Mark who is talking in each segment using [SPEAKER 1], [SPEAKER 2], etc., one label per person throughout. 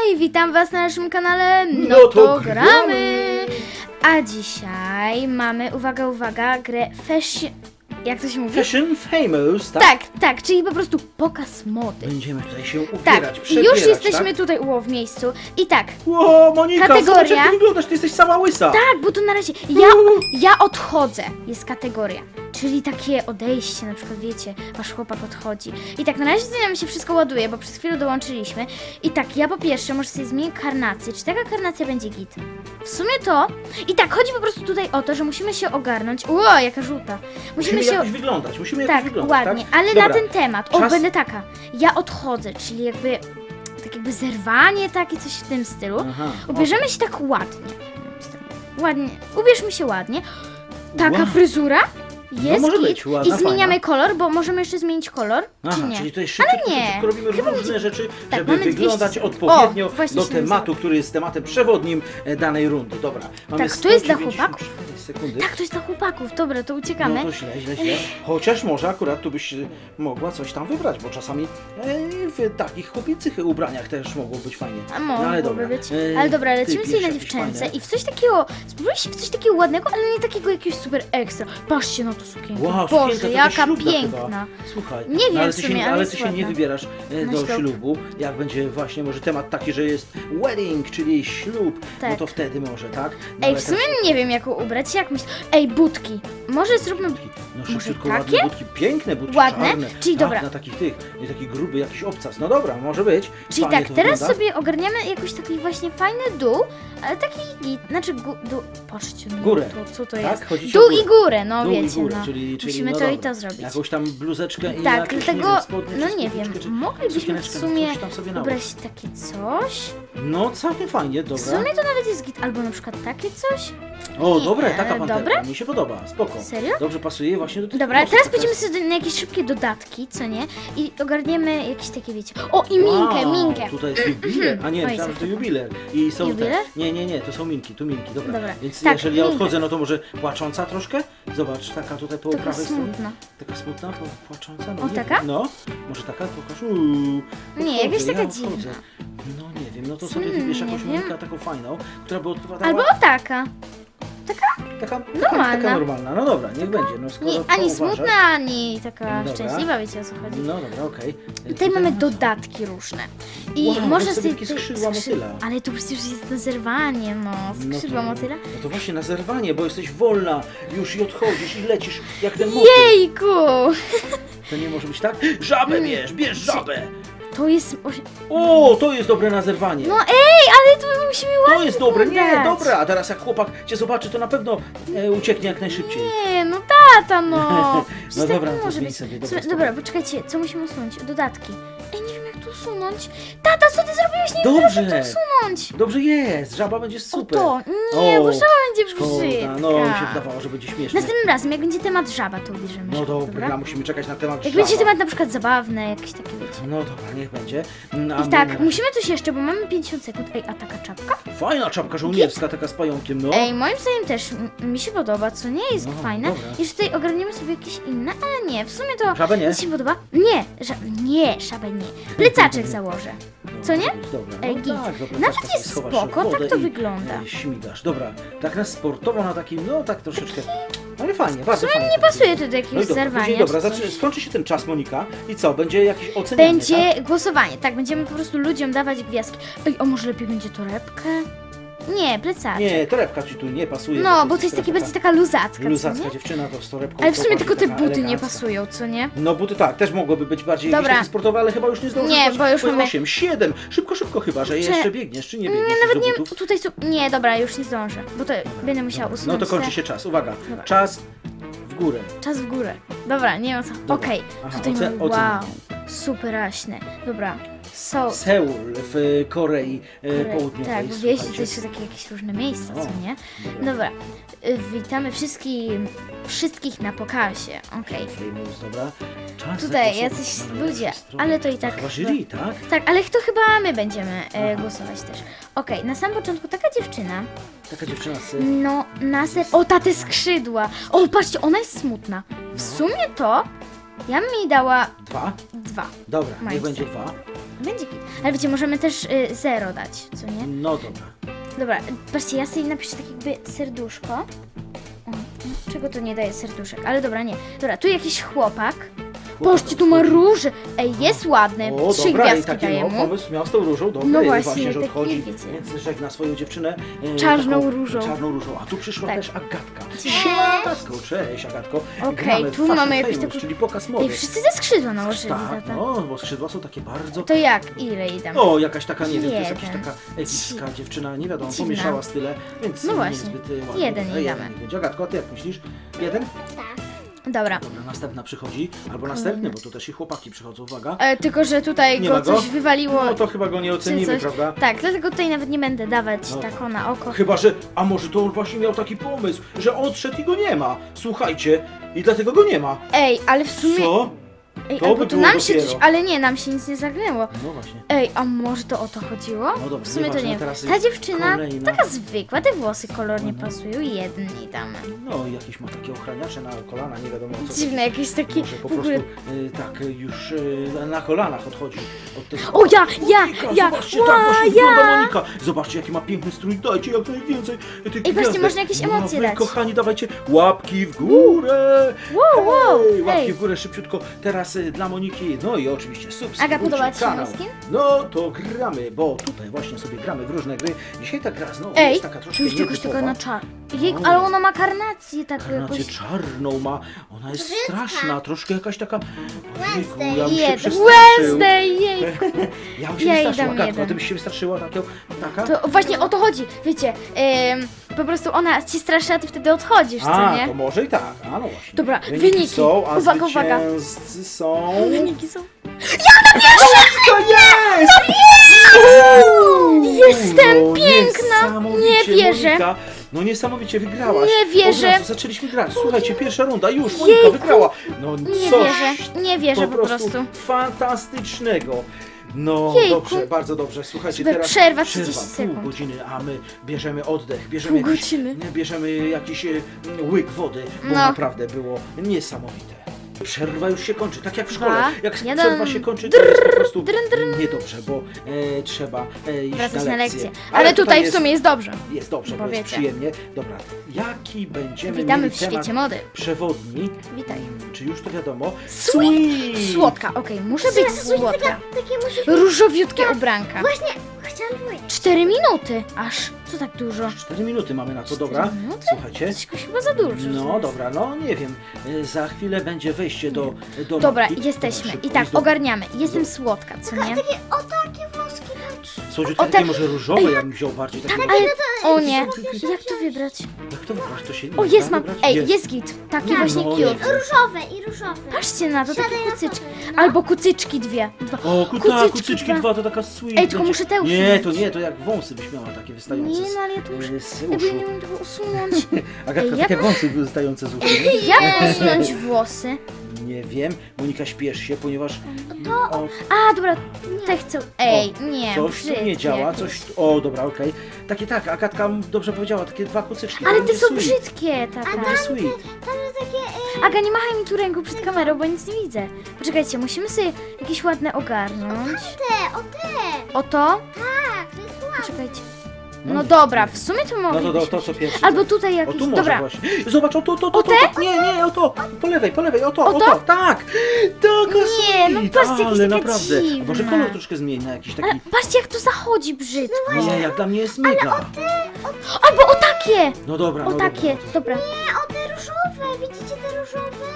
[SPEAKER 1] Hej, witam was na naszym kanale
[SPEAKER 2] No to gramy!
[SPEAKER 1] A dzisiaj mamy, uwaga, grę Fashion... Jak to się mówi?
[SPEAKER 2] Fashion Famous, tak?
[SPEAKER 1] Tak, czyli po prostu pokaz mody.
[SPEAKER 2] Będziemy tutaj się
[SPEAKER 1] Tak,
[SPEAKER 2] ubierać, przebierać,
[SPEAKER 1] już jesteśmy
[SPEAKER 2] tak?
[SPEAKER 1] tutaj w miejscu. I tak,
[SPEAKER 2] Ło, Monika,
[SPEAKER 1] Kategoria.
[SPEAKER 2] zobacz jak ty wyglądasz, ty jesteś cała łysa.
[SPEAKER 1] tak, bo to na razie ja odchodzę, jest kategoria. Czyli takie odejście, na przykład wiecie, wasz chłopak odchodzi. I tak na razie nam się wszystko ładuje, bo przez chwilę dołączyliśmy. I tak, ja po pierwsze może sobie zmienię karnację. Czy taka karnacja będzie git? W sumie to. I tak, chodzi po prostu tutaj o to, że musimy się ogarnąć. Ło, jaka żółta.
[SPEAKER 2] Musimy jakoś wyglądać, musimy jakoś
[SPEAKER 1] Tak,
[SPEAKER 2] wyglądać,
[SPEAKER 1] ładnie,
[SPEAKER 2] tak?
[SPEAKER 1] ale
[SPEAKER 2] Dobra.
[SPEAKER 1] na ten temat. O,
[SPEAKER 2] Czas-
[SPEAKER 1] będę taka. Ja odchodzę, czyli jakby. Tak jakby zerwanie, takie coś w tym stylu.
[SPEAKER 2] Aha,
[SPEAKER 1] Ubierzemy się tak ładnie. Ładnie. Ubierzmy się ładnie. Taka
[SPEAKER 2] Wow.
[SPEAKER 1] fryzura? Jest
[SPEAKER 2] może
[SPEAKER 1] git.
[SPEAKER 2] być, ładna,
[SPEAKER 1] I zmieniamy
[SPEAKER 2] fajna.
[SPEAKER 1] kolor, bo możemy jeszcze zmienić kolor,
[SPEAKER 2] Aha,
[SPEAKER 1] czy nie?
[SPEAKER 2] czyli to jest
[SPEAKER 1] Ale
[SPEAKER 2] szybko,
[SPEAKER 1] nie.
[SPEAKER 2] szybko robimy
[SPEAKER 1] Chyba
[SPEAKER 2] różne rzeczy,
[SPEAKER 1] tak,
[SPEAKER 2] żeby
[SPEAKER 1] mamy
[SPEAKER 2] wyglądać
[SPEAKER 1] 200
[SPEAKER 2] odpowiednio
[SPEAKER 1] O, właśnie
[SPEAKER 2] do
[SPEAKER 1] się
[SPEAKER 2] tematu,
[SPEAKER 1] nazywa.
[SPEAKER 2] który jest tematem przewodnim danej rundy. Dobra, mamy
[SPEAKER 1] Tak, to jest dla
[SPEAKER 2] 194
[SPEAKER 1] chłopaków?
[SPEAKER 2] sekundy.
[SPEAKER 1] Tak, to jest dla chłopaków. Dobra, to uciekamy.
[SPEAKER 2] No to źle. Chociaż może akurat tu byś mogła coś tam wybrać, bo czasami w takich chłopiecych ubraniach też mogło być fajnie.
[SPEAKER 1] A
[SPEAKER 2] No, ale dobra.
[SPEAKER 1] mogłoby być. Ale dobra, lecimy
[SPEAKER 2] ty
[SPEAKER 1] sobie na
[SPEAKER 2] bierz jakieś
[SPEAKER 1] dziewczęce
[SPEAKER 2] fajne.
[SPEAKER 1] i w coś takiego, spróbujcie w coś takiego ładnego, ale nie takiego jakiegoś super ekstra. Patrzcie na to sukienkę.
[SPEAKER 2] Wow,
[SPEAKER 1] Boże,
[SPEAKER 2] sukienka taka
[SPEAKER 1] jaka
[SPEAKER 2] ślubna
[SPEAKER 1] piękna.
[SPEAKER 2] Chyba. Słuchaj,
[SPEAKER 1] Nie wiem
[SPEAKER 2] ale
[SPEAKER 1] w
[SPEAKER 2] ty
[SPEAKER 1] sumie,
[SPEAKER 2] się,
[SPEAKER 1] ale
[SPEAKER 2] ale
[SPEAKER 1] jest
[SPEAKER 2] ty się nie
[SPEAKER 1] ładna.
[SPEAKER 2] wybierasz
[SPEAKER 1] Na
[SPEAKER 2] do
[SPEAKER 1] ślub.
[SPEAKER 2] ślubu, jak będzie właśnie może temat taki, że jest wedding, czyli ślub,
[SPEAKER 1] Tak.
[SPEAKER 2] no to wtedy może, tak? No,
[SPEAKER 1] Ej,
[SPEAKER 2] ale
[SPEAKER 1] w sumie
[SPEAKER 2] teraz-
[SPEAKER 1] nie wiem, jaką ubrać, jak myślę. Ej, budki. Może zróbmy...
[SPEAKER 2] No
[SPEAKER 1] Może
[SPEAKER 2] szybciutko,
[SPEAKER 1] takie?
[SPEAKER 2] ładne budki, piękne budki,
[SPEAKER 1] Ładne?
[SPEAKER 2] czarne.
[SPEAKER 1] Czyli
[SPEAKER 2] tak,
[SPEAKER 1] dobra.
[SPEAKER 2] na takich tych, nie taki gruby jakiś obcas. No dobra, może być.
[SPEAKER 1] Czyli
[SPEAKER 2] Fajnie
[SPEAKER 1] tak,
[SPEAKER 2] to
[SPEAKER 1] teraz
[SPEAKER 2] wygląda.
[SPEAKER 1] sobie ogarniamy jakoś taki właśnie fajny dół, ale taki git, znaczy dół, patrzcie, no,
[SPEAKER 2] Górę.
[SPEAKER 1] to, co to
[SPEAKER 2] Tak?
[SPEAKER 1] jest?
[SPEAKER 2] Chodzi ci o
[SPEAKER 1] Dół
[SPEAKER 2] górę.
[SPEAKER 1] i górę, no
[SPEAKER 2] Dół i
[SPEAKER 1] wiecie,
[SPEAKER 2] górę,
[SPEAKER 1] no.
[SPEAKER 2] czyli
[SPEAKER 1] Musimy
[SPEAKER 2] no
[SPEAKER 1] to i
[SPEAKER 2] dobra.
[SPEAKER 1] to zrobić.
[SPEAKER 2] Jakąś tam bluzeczkę i
[SPEAKER 1] Tak,
[SPEAKER 2] jakieś,
[SPEAKER 1] dlatego,
[SPEAKER 2] nie wiem, spodnie,
[SPEAKER 1] no
[SPEAKER 2] czy
[SPEAKER 1] nie
[SPEAKER 2] spódniczkę,
[SPEAKER 1] wiem,
[SPEAKER 2] czy
[SPEAKER 1] moglibyśmy w
[SPEAKER 2] sukieneczkę,
[SPEAKER 1] sumie
[SPEAKER 2] coś tam sobie nałóż.
[SPEAKER 1] ubrać takie coś.
[SPEAKER 2] No całkiem fajnie,
[SPEAKER 1] W
[SPEAKER 2] dobra.
[SPEAKER 1] sumie to nawet jest git, albo na przykład takie coś.
[SPEAKER 2] O,
[SPEAKER 1] Nie,
[SPEAKER 2] dobre, taka
[SPEAKER 1] dobre?
[SPEAKER 2] panterka, mi się podoba, spoko.
[SPEAKER 1] Serio?
[SPEAKER 2] Dobrze pasuje właśnie do tych
[SPEAKER 1] Dobra,
[SPEAKER 2] włosów,
[SPEAKER 1] teraz
[SPEAKER 2] taka
[SPEAKER 1] pójdziemy
[SPEAKER 2] jest-
[SPEAKER 1] sobie na jakieś szybkie dodatki, co nie? I ogarniemy jakieś takie, wiecie. O, i minkę,
[SPEAKER 2] Wow,
[SPEAKER 1] minkę.
[SPEAKER 2] Tutaj jest jubiler, a nie,
[SPEAKER 1] Oj,
[SPEAKER 2] myślałem, że to
[SPEAKER 1] zapomniałam.
[SPEAKER 2] jubiler. I są
[SPEAKER 1] Jubiler?
[SPEAKER 2] te. Nie, to są minki, tu minki, dobra.
[SPEAKER 1] Dobra,
[SPEAKER 2] Więc
[SPEAKER 1] tak,
[SPEAKER 2] jeżeli ja
[SPEAKER 1] minkę.
[SPEAKER 2] odchodzę, no to może płacząca troszkę? Zobacz, taka tutaj po
[SPEAKER 1] Taka
[SPEAKER 2] prawej stronie.
[SPEAKER 1] smutna.
[SPEAKER 2] Taka smutna, płacząca? No
[SPEAKER 1] O,
[SPEAKER 2] nie
[SPEAKER 1] taka?
[SPEAKER 2] Wiem. No, może taka, pokaż.
[SPEAKER 1] Nie, jakaś taka
[SPEAKER 2] odchodzę.
[SPEAKER 1] dziwna.
[SPEAKER 2] No nie wiem, no to sobie wybierz jakąś
[SPEAKER 1] nie
[SPEAKER 2] minkę taką fajną, która by odpowiadała.
[SPEAKER 1] Albo taka.
[SPEAKER 2] taka
[SPEAKER 1] normalna.
[SPEAKER 2] normalna, no dobra, niech będzie. No, skoro
[SPEAKER 1] Nie,
[SPEAKER 2] to
[SPEAKER 1] ani
[SPEAKER 2] uważasz.
[SPEAKER 1] smutna, ani taka
[SPEAKER 2] Dobra.
[SPEAKER 1] szczęśliwa, wiecie o co chodzi.
[SPEAKER 2] No dobra, okej.
[SPEAKER 1] Tutaj mamy dodatki różne. I
[SPEAKER 2] Wow,
[SPEAKER 1] można
[SPEAKER 2] weź sobie
[SPEAKER 1] sobie...
[SPEAKER 2] takie skrzydła motyla.
[SPEAKER 1] Ale to przecież jest na zerwanie, no. Skrzydła motyla.
[SPEAKER 2] No to właśnie na zerwanie, bo jesteś wolna już i odchodzisz i lecisz jak ten motyl.
[SPEAKER 1] Jejku!
[SPEAKER 2] To nie może być tak? Żabę bierz żabę!
[SPEAKER 1] To jest...
[SPEAKER 2] O, to jest dobre na zerwanie.
[SPEAKER 1] No ej, ale tu musimy ładnie
[SPEAKER 2] To jest dobre, nie,
[SPEAKER 1] wyglądać.
[SPEAKER 2] dobra. A teraz jak chłopak cię zobaczy, to na pewno ucieknie jak najszybciej.
[SPEAKER 1] Nie, no tata, no. Przecież
[SPEAKER 2] No
[SPEAKER 1] tak
[SPEAKER 2] dobra,
[SPEAKER 1] nie
[SPEAKER 2] to
[SPEAKER 1] może
[SPEAKER 2] zmień
[SPEAKER 1] być.
[SPEAKER 2] sobie, dobra,
[SPEAKER 1] Słuchaj,
[SPEAKER 2] spoko.
[SPEAKER 1] dobra, poczekajcie, co musimy usunąć? Dodatki. Ej, nie wiem jak to usunąć. Tata, co ty zrobiłeś? Nie wiem,
[SPEAKER 2] Dobrze.
[SPEAKER 1] jak to usunąć.
[SPEAKER 2] Dobrze jest, żaba będzie
[SPEAKER 1] O
[SPEAKER 2] super.
[SPEAKER 1] to, nie,
[SPEAKER 2] O,
[SPEAKER 1] bo żaba będzie
[SPEAKER 2] Szkoda,
[SPEAKER 1] brzydka.
[SPEAKER 2] no mi się wydawało, że będzie śmieszne.
[SPEAKER 1] Następnym razem, jak będzie temat żaba, to ubierzemy
[SPEAKER 2] No
[SPEAKER 1] żabę,
[SPEAKER 2] dobra, musimy czekać na temat
[SPEAKER 1] Jak
[SPEAKER 2] żaba.
[SPEAKER 1] będzie temat na przykład zabawny, jakieś takie wiecie.
[SPEAKER 2] No dobra, niech będzie. No, a
[SPEAKER 1] I tak,
[SPEAKER 2] my-
[SPEAKER 1] musimy coś jeszcze, bo mamy 50 sekund. Ej, a taka czapka?
[SPEAKER 2] Fajna czapka żołnierska, taka z pająkiem, no.
[SPEAKER 1] Ej, moim zdaniem też mi się podoba, co nie jest
[SPEAKER 2] No,
[SPEAKER 1] fajne.
[SPEAKER 2] dobra.
[SPEAKER 1] Jeszcze tutaj ogarniemy sobie jakieś inne, ale nie, w sumie to
[SPEAKER 2] Żabę nie?
[SPEAKER 1] mi się podoba. Nie, szabę nie. Plecaczek założę. Co nie?
[SPEAKER 2] Dobra,
[SPEAKER 1] Ej,
[SPEAKER 2] no
[SPEAKER 1] git.
[SPEAKER 2] tak, dobra,
[SPEAKER 1] Nawet
[SPEAKER 2] też
[SPEAKER 1] jest
[SPEAKER 2] schowasz
[SPEAKER 1] spoko,
[SPEAKER 2] wodę
[SPEAKER 1] tak to
[SPEAKER 2] i,
[SPEAKER 1] wygląda.
[SPEAKER 2] Śmigasz, dobra. Tak na sportowo, na takim, no tak troszeczkę, ale fajnie, bardzo
[SPEAKER 1] W sumie
[SPEAKER 2] fajnie.
[SPEAKER 1] nie
[SPEAKER 2] to
[SPEAKER 1] pasuje
[SPEAKER 2] wygląda.
[SPEAKER 1] to do jakiegoś
[SPEAKER 2] No i dobra,
[SPEAKER 1] zerwania.
[SPEAKER 2] później, dobra,
[SPEAKER 1] czy coś.
[SPEAKER 2] skończy się ten czas, Monika, i co, będzie jakieś ocenianie,
[SPEAKER 1] Będzie
[SPEAKER 2] tak?
[SPEAKER 1] głosowanie, tak, będziemy po prostu ludziom dawać gwiazdki. Ej, a może lepiej będzie torebkę? Nie, plecaczek.
[SPEAKER 2] Nie, torebka ci tu nie pasuje.
[SPEAKER 1] No,
[SPEAKER 2] ty
[SPEAKER 1] bo to jest
[SPEAKER 2] jesteś
[SPEAKER 1] taki
[SPEAKER 2] trochę
[SPEAKER 1] bardziej taka luzacka, co
[SPEAKER 2] luzacka
[SPEAKER 1] nie?
[SPEAKER 2] dziewczyna, to z torebką.
[SPEAKER 1] Ale w sumie
[SPEAKER 2] to
[SPEAKER 1] tylko te
[SPEAKER 2] taka
[SPEAKER 1] buty nie
[SPEAKER 2] elegancka.
[SPEAKER 1] pasują, co nie?
[SPEAKER 2] No buty tak, też mogłyby być bardziej
[SPEAKER 1] Dobra.
[SPEAKER 2] gdzieś takie sportowe, ale chyba już nie zdążysz.
[SPEAKER 1] Nie, bo już mamy-
[SPEAKER 2] 8, 7, szybko chyba, że
[SPEAKER 1] Kurczę.
[SPEAKER 2] jeszcze biegniesz, czy nie biegniesz
[SPEAKER 1] Nawet
[SPEAKER 2] do
[SPEAKER 1] nie,
[SPEAKER 2] butów.
[SPEAKER 1] tutaj są... Nie, dobra, już nie zdążę, bo to będę musiała
[SPEAKER 2] No
[SPEAKER 1] usunąć
[SPEAKER 2] to kończy
[SPEAKER 1] te-
[SPEAKER 2] się czas, uwaga,
[SPEAKER 1] Dobra.
[SPEAKER 2] czas w górę.
[SPEAKER 1] Czas w górę. Dobra, nie ma co.
[SPEAKER 2] Dobra.
[SPEAKER 1] Okej,
[SPEAKER 2] Aha,
[SPEAKER 1] tutaj
[SPEAKER 2] ocen-
[SPEAKER 1] mamy,
[SPEAKER 2] ocen.
[SPEAKER 1] wow, super raśne. Dobra, so...
[SPEAKER 2] Seul w Korei Południowej.
[SPEAKER 1] Tak, bo wiecie, to
[SPEAKER 2] słuchajcie.
[SPEAKER 1] są takie jakieś różne miejsca,
[SPEAKER 2] O,
[SPEAKER 1] co nie?
[SPEAKER 2] dobra.
[SPEAKER 1] Dobra, witamy wszystkich na pokazie, okej.
[SPEAKER 2] Famous, dobra. Czas
[SPEAKER 1] Tutaj
[SPEAKER 2] zagłosować
[SPEAKER 1] jacyś
[SPEAKER 2] na najlepszą
[SPEAKER 1] ludzie,
[SPEAKER 2] stronę.
[SPEAKER 1] ale to i tak...
[SPEAKER 2] Chyba jury, tak?
[SPEAKER 1] Tak, ale to chyba my będziemy
[SPEAKER 2] Aha.
[SPEAKER 1] głosować też. Okej, na samym początku taka dziewczyna,
[SPEAKER 2] Taka dziewczyna z...
[SPEAKER 1] no na O, ta te skrzydła! O, patrzcie, ona jest smutna. W sumie to ja bym jej dała
[SPEAKER 2] 2?
[SPEAKER 1] 2.
[SPEAKER 2] Dobra,
[SPEAKER 1] Moim
[SPEAKER 2] niech będzie 2.
[SPEAKER 1] będzie git. Ale wiecie, możemy też 0 dać, co nie?
[SPEAKER 2] No dobra.
[SPEAKER 1] Dobra, patrzcie, ja sobie napiszę tak jakby serduszko. O, czego to nie daje serduszek? Ale dobra, nie. Dobra, tu jakiś chłopak. Patrzcie, tu ma róże. Ej, jest ładny.
[SPEAKER 2] O,
[SPEAKER 1] 3
[SPEAKER 2] dobra, i
[SPEAKER 1] gwiazdki
[SPEAKER 2] taki
[SPEAKER 1] daję
[SPEAKER 2] no,
[SPEAKER 1] mu.
[SPEAKER 2] pomysł miał z tą różą, dobra,
[SPEAKER 1] No
[SPEAKER 2] właśnie,
[SPEAKER 1] właśnie,
[SPEAKER 2] że
[SPEAKER 1] taki,
[SPEAKER 2] odchodzi,
[SPEAKER 1] wiecie.
[SPEAKER 2] więc żegna swoją dziewczynę
[SPEAKER 1] Czarną
[SPEAKER 2] taką
[SPEAKER 1] różą.
[SPEAKER 2] Czarną różą, a tu przyszła
[SPEAKER 1] Tak.
[SPEAKER 2] też Agatka.
[SPEAKER 1] Cześć.
[SPEAKER 2] Siema, Agatko, cześć Agatko.
[SPEAKER 1] Okej,
[SPEAKER 2] Gramy w
[SPEAKER 1] tu
[SPEAKER 2] Fashion
[SPEAKER 1] mamy jakąś
[SPEAKER 2] Famous,
[SPEAKER 1] taką-
[SPEAKER 2] czyli pokaz mody.
[SPEAKER 1] Ej, wszyscy ze skrzydła nałożyli za
[SPEAKER 2] Tak,
[SPEAKER 1] to.
[SPEAKER 2] no, bo skrzydła są takie bardzo...
[SPEAKER 1] To jak? Ile jej dam?
[SPEAKER 2] O, jakaś taka, nie wiem, to jest jakaś
[SPEAKER 1] Jeden.
[SPEAKER 2] taka epicka dziewczyna, nie wiadomo,
[SPEAKER 1] Dziwna.
[SPEAKER 2] pomieszała style, więc
[SPEAKER 1] No właśnie.
[SPEAKER 2] niezbyt ładnie.
[SPEAKER 1] Jeden jej
[SPEAKER 2] Jeden
[SPEAKER 1] damy.
[SPEAKER 2] niech będzie. Agatko, a ty jak myślisz? Jeden?
[SPEAKER 1] Dobra.
[SPEAKER 2] Dobra, następna przychodzi, albo następny, bo tu też i chłopaki przychodzą, uwaga.
[SPEAKER 1] Tylko, że tutaj
[SPEAKER 2] Nie ma
[SPEAKER 1] go
[SPEAKER 2] go?
[SPEAKER 1] coś wywaliło.
[SPEAKER 2] No to chyba go nie
[SPEAKER 1] czy
[SPEAKER 2] ocenimy,
[SPEAKER 1] coś.
[SPEAKER 2] prawda?
[SPEAKER 1] Tak, dlatego tutaj nawet nie będę dawać
[SPEAKER 2] No.
[SPEAKER 1] tak na oko.
[SPEAKER 2] Chyba, że, a może to on właśnie miał taki pomysł, że odszedł i go nie ma. Słuchajcie, i dlatego go nie ma.
[SPEAKER 1] Ej, ale w sumie...
[SPEAKER 2] Co?
[SPEAKER 1] Ej,
[SPEAKER 2] To
[SPEAKER 1] albo
[SPEAKER 2] by
[SPEAKER 1] to
[SPEAKER 2] było
[SPEAKER 1] nam się
[SPEAKER 2] dopiero.
[SPEAKER 1] coś... Ale nie, nam się nic nie zagnęło.
[SPEAKER 2] No właśnie.
[SPEAKER 1] Ej, a może to o to chodziło?
[SPEAKER 2] No dobra,
[SPEAKER 1] w sumie to
[SPEAKER 2] nieważne,
[SPEAKER 1] nie wiem.
[SPEAKER 2] teraz
[SPEAKER 1] Ta
[SPEAKER 2] jest
[SPEAKER 1] dziewczyna
[SPEAKER 2] kolejna.
[SPEAKER 1] taka zwykła, te włosy kolor nie
[SPEAKER 2] Mhm.
[SPEAKER 1] pasują i jeden jej damy.
[SPEAKER 2] No i jakieś ma takie ochraniacze na kolana, nie wiadomo o co.
[SPEAKER 1] Dziwne, jakieś takie
[SPEAKER 2] Może po
[SPEAKER 1] w ogóle...
[SPEAKER 2] prostu tak już na kolanach odchodzi od tego.
[SPEAKER 1] O, ja!
[SPEAKER 2] Zobaczcie, tak właśnie wygląda Monika. Zobaczcie, jaki ma piękny strój, dajcie jak najwięcej tych
[SPEAKER 1] patrzcie,
[SPEAKER 2] gwiazdek.
[SPEAKER 1] można jakieś emocje
[SPEAKER 2] No, wy,
[SPEAKER 1] dać.
[SPEAKER 2] kochani, dawajcie łapki w górę.
[SPEAKER 1] Wow,
[SPEAKER 2] Ej, łapki
[SPEAKER 1] ej.
[SPEAKER 2] w górę szybciutko. Teraz dla Moniki, no i oczywiście subskrybujcie
[SPEAKER 1] Aga, podoba ci się
[SPEAKER 2] kanał.
[SPEAKER 1] mój skin?
[SPEAKER 2] No to gramy, bo tutaj właśnie sobie gramy w różne gry. Dzisiaj ta gra znowu
[SPEAKER 1] Ej,
[SPEAKER 2] jest taka
[SPEAKER 1] tu
[SPEAKER 2] troszkę
[SPEAKER 1] jest jakoś
[SPEAKER 2] nietypowa.
[SPEAKER 1] taka na czar... Jej,
[SPEAKER 2] O.
[SPEAKER 1] ale ona ma karnację taką
[SPEAKER 2] Karnację
[SPEAKER 1] jakoś...
[SPEAKER 2] czarną ma, ona jest straszna, troszkę jakaś taka... Ojejku,
[SPEAKER 3] Wednesday.
[SPEAKER 2] ja bym się
[SPEAKER 1] Jeden.
[SPEAKER 2] przestraszył.
[SPEAKER 1] Wednesday, jej.
[SPEAKER 2] Ja bym się
[SPEAKER 1] Ja jej
[SPEAKER 2] wystraszył,
[SPEAKER 1] dam
[SPEAKER 2] Agatko,
[SPEAKER 1] jeden.
[SPEAKER 2] ty byś się wystraszyła taka?
[SPEAKER 1] To właśnie o to chodzi, wiecie, po prostu ona ci straszy, a ty wtedy odchodzisz, co
[SPEAKER 2] A,
[SPEAKER 1] nie?
[SPEAKER 2] to może i tak, a no właśnie.
[SPEAKER 1] Dobra, wyniki.
[SPEAKER 2] są, a
[SPEAKER 1] Uwaga, uwaga.
[SPEAKER 2] zwycięzcy są...
[SPEAKER 1] Wyniki są...
[SPEAKER 2] To jest!
[SPEAKER 1] Jestem
[SPEAKER 2] No,
[SPEAKER 1] piękna!
[SPEAKER 2] niesamowicie,
[SPEAKER 1] Nie wierzę.
[SPEAKER 2] Monika. No niesamowicie wygrałaś.
[SPEAKER 1] Nie wierzę.
[SPEAKER 2] Od razu zaczęliśmy grać. Słuchajcie, pierwsza runda, już Monika
[SPEAKER 1] Jejku.
[SPEAKER 2] wygrała. No
[SPEAKER 1] Nie
[SPEAKER 2] coś
[SPEAKER 1] wierzę, nie wierzę po prostu.
[SPEAKER 2] fantastycznego. No
[SPEAKER 1] Jejku.
[SPEAKER 2] dobrze, bardzo dobrze. Słuchajcie,
[SPEAKER 1] Super,
[SPEAKER 2] teraz
[SPEAKER 1] przerwa 30 sekund.
[SPEAKER 2] pół godziny, a my bierzemy oddech, bierzemy
[SPEAKER 1] Pół
[SPEAKER 2] jakiś,
[SPEAKER 1] godziny.
[SPEAKER 2] bierzemy jakiś łyk wody, bo
[SPEAKER 1] No.
[SPEAKER 2] naprawdę było niesamowite. Przerwa już się kończy, tak jak w szkole.
[SPEAKER 1] Dwa,
[SPEAKER 2] Jak
[SPEAKER 1] jeden.
[SPEAKER 2] przerwa się kończy, to jest po prostu
[SPEAKER 1] drn.
[SPEAKER 2] niedobrze, bo trzeba iść
[SPEAKER 1] Wracać
[SPEAKER 2] na
[SPEAKER 1] na
[SPEAKER 2] lekcję.
[SPEAKER 1] lekcję. Ale tutaj w sumie jest dobrze.
[SPEAKER 2] jest dobrze, bo jest
[SPEAKER 1] Powiecie.
[SPEAKER 2] przyjemnie. Dobra, jaki będziemy
[SPEAKER 1] Witamy
[SPEAKER 2] mieli
[SPEAKER 1] w
[SPEAKER 2] temat
[SPEAKER 1] świecie mody.
[SPEAKER 2] przewodni?
[SPEAKER 1] Witaj.
[SPEAKER 2] Czy już to wiadomo?
[SPEAKER 1] Sweet! Słodka, okej, muszę być słodka.
[SPEAKER 3] Takie musisz...
[SPEAKER 1] Różowiutkie ubranka.
[SPEAKER 3] Właśnie, chciałam powiedzieć.
[SPEAKER 1] 4 minuty, aż. Co tak dużo?
[SPEAKER 2] 4 minuty mamy na to,
[SPEAKER 1] 4
[SPEAKER 2] dobra?
[SPEAKER 1] minuty?
[SPEAKER 2] Słuchajcie.
[SPEAKER 1] Coś chyba za dużo.
[SPEAKER 2] No dobra, no nie wiem. Za chwilę będzie wejście do
[SPEAKER 1] Dobra,
[SPEAKER 2] Moniki.
[SPEAKER 1] jesteśmy.
[SPEAKER 2] Szybko
[SPEAKER 1] I tak,
[SPEAKER 2] idź do-
[SPEAKER 1] ogarniamy. Jestem słodka, co nie?
[SPEAKER 3] Takie, o takie włoski patrz.
[SPEAKER 2] Słodziutkie,
[SPEAKER 1] O,
[SPEAKER 2] takie
[SPEAKER 1] tak.
[SPEAKER 2] może różowe, ja bym wziął bardziej takie.
[SPEAKER 1] Ale, o nie, jak to wybrać?
[SPEAKER 2] Jak to wybrać? To się
[SPEAKER 1] O,
[SPEAKER 2] nie
[SPEAKER 1] jest
[SPEAKER 2] da
[SPEAKER 1] mam,
[SPEAKER 2] wybrać?
[SPEAKER 1] ej, jest git. Taki właśnie
[SPEAKER 2] No,
[SPEAKER 1] cute.
[SPEAKER 2] nie.
[SPEAKER 3] Różowe i różowe.
[SPEAKER 1] Patrzcie na to, takie
[SPEAKER 3] Siadaj na
[SPEAKER 1] kucyczki.
[SPEAKER 3] fotel, no.
[SPEAKER 1] Albo kucyczki dwa.
[SPEAKER 2] O,
[SPEAKER 1] Kucyczki
[SPEAKER 2] kucyczki
[SPEAKER 1] dwa.
[SPEAKER 2] dwa, to taka sweet.
[SPEAKER 1] Ej, tylko
[SPEAKER 2] będzie.
[SPEAKER 1] muszę te
[SPEAKER 2] Nie,
[SPEAKER 1] usunąć.
[SPEAKER 2] to nie, to jak wąsy byś miała takie wystające
[SPEAKER 1] Nie, no ale ja to muszę...
[SPEAKER 2] z
[SPEAKER 1] Jakby
[SPEAKER 2] uszu.
[SPEAKER 1] nie umiem tego usunąć.
[SPEAKER 2] Agatka,
[SPEAKER 1] Ej,
[SPEAKER 2] takie
[SPEAKER 1] jak-
[SPEAKER 2] wąsy wystające z uszu. nie?
[SPEAKER 1] Jak usunąć włosy?
[SPEAKER 2] Nie wiem, Monika, śpiesz się, ponieważ o,
[SPEAKER 1] A, dobra, te chcę... Ej, nie,
[SPEAKER 2] coś tu nie
[SPEAKER 1] brzydkie
[SPEAKER 2] działa,
[SPEAKER 1] jakieś.
[SPEAKER 2] coś... O, dobra, okej. Takie tak, Agatka dobrze powiedziała, takie dwa kucyczki.
[SPEAKER 1] Ale
[SPEAKER 2] to
[SPEAKER 1] te
[SPEAKER 2] będzie
[SPEAKER 1] są
[SPEAKER 2] sweet.
[SPEAKER 1] brzydkie,
[SPEAKER 2] To
[SPEAKER 1] tata.
[SPEAKER 2] będzie sweet.
[SPEAKER 3] Tam takie...
[SPEAKER 1] Aga, nie machaj mi tu ręką przed kamerą, bo nic nie widzę. Poczekajcie, musimy sobie jakieś ładne ogarnąć.
[SPEAKER 3] o te.
[SPEAKER 1] O to?
[SPEAKER 3] Tak, to jest ładne.
[SPEAKER 1] Poczekajcie.
[SPEAKER 2] No
[SPEAKER 1] No
[SPEAKER 2] nie.
[SPEAKER 1] dobra, w sumie to
[SPEAKER 2] No
[SPEAKER 1] moglibyśmy.
[SPEAKER 2] to co pierwsze?
[SPEAKER 1] Albo tutaj
[SPEAKER 2] O
[SPEAKER 1] jakieś...
[SPEAKER 2] tu może
[SPEAKER 1] Dobra,
[SPEAKER 2] właśnie. Zobacz, o to,
[SPEAKER 1] O te?
[SPEAKER 2] Nie, o to. Po lewej, o to,
[SPEAKER 1] O
[SPEAKER 2] o
[SPEAKER 1] to?
[SPEAKER 2] to. Tak. Taka
[SPEAKER 1] Nie, no
[SPEAKER 2] sweet,
[SPEAKER 1] patrzcie, jakieś
[SPEAKER 2] ale
[SPEAKER 1] taka
[SPEAKER 2] naprawdę.
[SPEAKER 1] dziwna.
[SPEAKER 2] A może kolor troszkę zmieni na jakiś
[SPEAKER 1] ale
[SPEAKER 2] taki...
[SPEAKER 1] patrzcie jak to zachodzi brzydko.
[SPEAKER 2] Nie, jak dla mnie jest mega.
[SPEAKER 1] Albo o takie!
[SPEAKER 2] No dobra,
[SPEAKER 1] O
[SPEAKER 2] no
[SPEAKER 1] takie, dobra.
[SPEAKER 3] Nie, o te różowe. Widzicie te różowe?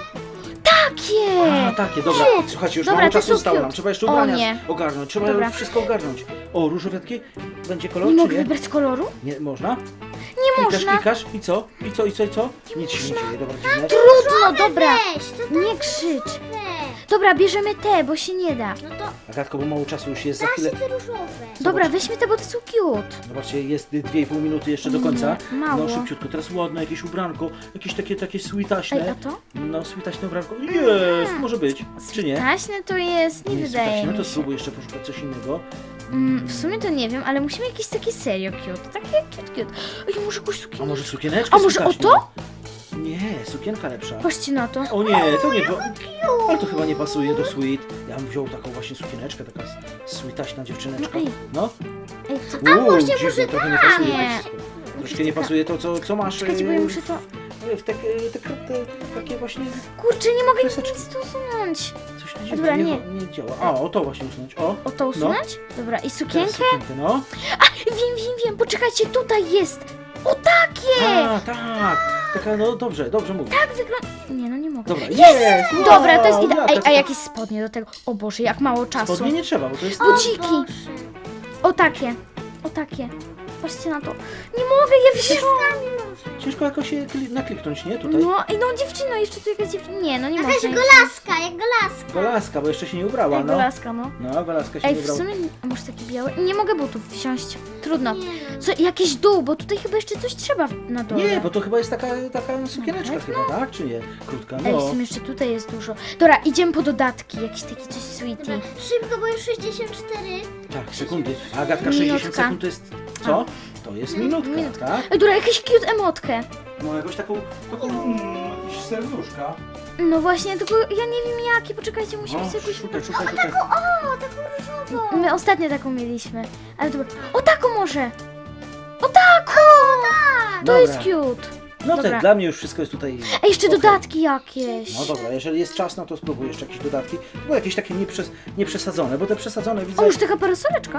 [SPEAKER 1] Takie!
[SPEAKER 2] A, takie, dobra.
[SPEAKER 1] Cute.
[SPEAKER 2] Słuchajcie, już
[SPEAKER 1] Dobra,
[SPEAKER 2] mało
[SPEAKER 1] te
[SPEAKER 2] czasu
[SPEAKER 1] są
[SPEAKER 2] zostało nam.
[SPEAKER 1] cute.
[SPEAKER 2] Trzeba jeszcze
[SPEAKER 1] O
[SPEAKER 2] ubrania
[SPEAKER 1] nie.
[SPEAKER 2] ogarnąć. Trzeba
[SPEAKER 1] Dobra.
[SPEAKER 2] wszystko ogarnąć. O, różowiatki? Będzie kolor,
[SPEAKER 1] Nie
[SPEAKER 2] czy
[SPEAKER 1] mogę
[SPEAKER 2] nie?
[SPEAKER 1] wybrać koloru?
[SPEAKER 2] Nie, można?
[SPEAKER 1] Nie można.
[SPEAKER 2] Klikasz i co? I co? Nic się nie dzieje, dobra, dziwne.
[SPEAKER 1] Trudno, dobra.
[SPEAKER 3] Weź, to
[SPEAKER 1] Nie krzycz.
[SPEAKER 3] weź.
[SPEAKER 1] Dobra, bierzemy te, bo się nie da.
[SPEAKER 3] No to
[SPEAKER 2] Agatko, bo mało czasu już jest za
[SPEAKER 3] da
[SPEAKER 2] chwilę.
[SPEAKER 3] się te różowe.
[SPEAKER 1] Dobra, weźmy te, bo te są cute.
[SPEAKER 2] Zobaczcie, jest 2,5 minuty jeszcze do końca.
[SPEAKER 1] Nie, mało.
[SPEAKER 2] No szybciutko, teraz ładne jakieś ubranko, jakieś takie
[SPEAKER 1] Ej,
[SPEAKER 2] sweetaśne.
[SPEAKER 1] a to?
[SPEAKER 2] No, sweetaśne ubranko. Jest, może być. Czy nie?
[SPEAKER 1] Taśne to jest, nie
[SPEAKER 2] jest
[SPEAKER 1] wydaje
[SPEAKER 2] sweetaśne,
[SPEAKER 1] mi
[SPEAKER 2] to
[SPEAKER 1] się.
[SPEAKER 2] spróbuj jeszcze poszukać coś innego.
[SPEAKER 1] W sumie to nie wiem, ale musimy jakieś takie serio cute. Takie cute. Ej, może jakąś
[SPEAKER 2] A
[SPEAKER 1] sukienkę?
[SPEAKER 2] może sukieneczkę
[SPEAKER 1] A może o
[SPEAKER 2] sweetaśną?
[SPEAKER 1] to?
[SPEAKER 2] Nie, sukienka lepsza.
[SPEAKER 1] Patrzcie na to.
[SPEAKER 2] O nie, to nie było. Ale to chyba nie pasuje do sweet. Ja bym wziął taką właśnie sukieneczkę, taka sweetaśna dziewczyneczka.
[SPEAKER 1] No ej.
[SPEAKER 2] No.
[SPEAKER 1] Ej, co?
[SPEAKER 2] Dziwne, trochę nie pasuje.
[SPEAKER 1] Nie.
[SPEAKER 2] Troszkę nie pasuje to, co masz
[SPEAKER 1] Czekajcie, bo ja muszę to...
[SPEAKER 2] w takie właśnie
[SPEAKER 1] Kurczę, nie mogę nic
[SPEAKER 2] Kreseczki.
[SPEAKER 1] tu usunąć.
[SPEAKER 2] coś tu
[SPEAKER 1] Dobra,
[SPEAKER 2] dziwnie nie działa. A, o to właśnie usunąć. O,
[SPEAKER 1] O to usunąć? Dobra, i
[SPEAKER 2] teraz
[SPEAKER 1] sukienkę?
[SPEAKER 2] sukienkę, no.
[SPEAKER 1] Wiem, poczekajcie, tutaj jest! O takie!
[SPEAKER 2] A, tak. Taka, no dobrze mówię.
[SPEAKER 1] Tak wygląda... Nie, no nie mogę.
[SPEAKER 2] Dobra, jest! Wow,
[SPEAKER 1] Dobra, to jest
[SPEAKER 2] jaka
[SPEAKER 1] idealne. Ej, a
[SPEAKER 2] taka-
[SPEAKER 1] jakieś spodnie do tego? O Boże, jak mało czasu.
[SPEAKER 2] Spodnie nie trzeba, bo to jest...
[SPEAKER 1] Buciki. O takie. O takie. Patrzcie na to. Nie mogę, ja wzięłam.
[SPEAKER 2] Ciężko jakoś się nakliknąć, nie? Tutaj.
[SPEAKER 1] No, ej, no dziewczyno, jeszcze tu jakaś dziewczyna. Nie, no nie
[SPEAKER 3] Jakaś
[SPEAKER 1] można.
[SPEAKER 3] golaska, jak golaska.
[SPEAKER 2] Golaska, bo jeszcze się nie ubrała,
[SPEAKER 1] Ej,
[SPEAKER 2] no.
[SPEAKER 1] golaska, no.
[SPEAKER 2] No, Golaska się
[SPEAKER 1] Ej,
[SPEAKER 2] nie
[SPEAKER 1] w
[SPEAKER 2] ubrała.
[SPEAKER 1] sumie, a może taki biały? Nie mogę butów wsiąść. Trudno.
[SPEAKER 3] Nie.
[SPEAKER 1] Co, jakiś dół, bo tutaj chyba jeszcze coś trzeba na dole.
[SPEAKER 2] Nie, bo to chyba jest taka sukieneczka chyba, tak? Czy nie? Krótka,
[SPEAKER 1] Ej, w
[SPEAKER 2] no.
[SPEAKER 1] sumie jeszcze tutaj jest dużo. Dobra, idziemy po dodatki. Jakiś taki coś sweetie.
[SPEAKER 3] Dobra, szybko, bo już 64.
[SPEAKER 2] Tak, sekundy. A Agatka 60
[SPEAKER 1] Minutka.
[SPEAKER 2] sekund to jest co? To jest minutka, tak?
[SPEAKER 1] Ej, dobra, jakąś cute emotkę.
[SPEAKER 2] No jakąś taką jakieś serduszka.
[SPEAKER 1] No właśnie, tylko ja nie wiem jakie. Poczekajcie, musimy
[SPEAKER 2] O,
[SPEAKER 1] sobie jakoś...
[SPEAKER 2] szukaj.
[SPEAKER 3] O, taką różową.
[SPEAKER 1] My ostatnio taką mieliśmy. Ale dobra. O taką może! O taką! To
[SPEAKER 2] Dobra.
[SPEAKER 1] jest cute.
[SPEAKER 2] No
[SPEAKER 1] Dobra.
[SPEAKER 2] tak, dla mnie już wszystko jest tutaj...
[SPEAKER 1] Ej, jeszcze
[SPEAKER 2] okej.
[SPEAKER 1] dodatki jakieś.
[SPEAKER 2] No dobra, jeżeli jest czas, no to spróbuj jeszcze jakieś dodatki. Bo jakieś takie nieprzesadzone, bo te przesadzone widzę...
[SPEAKER 1] O, już taka parasoleczka.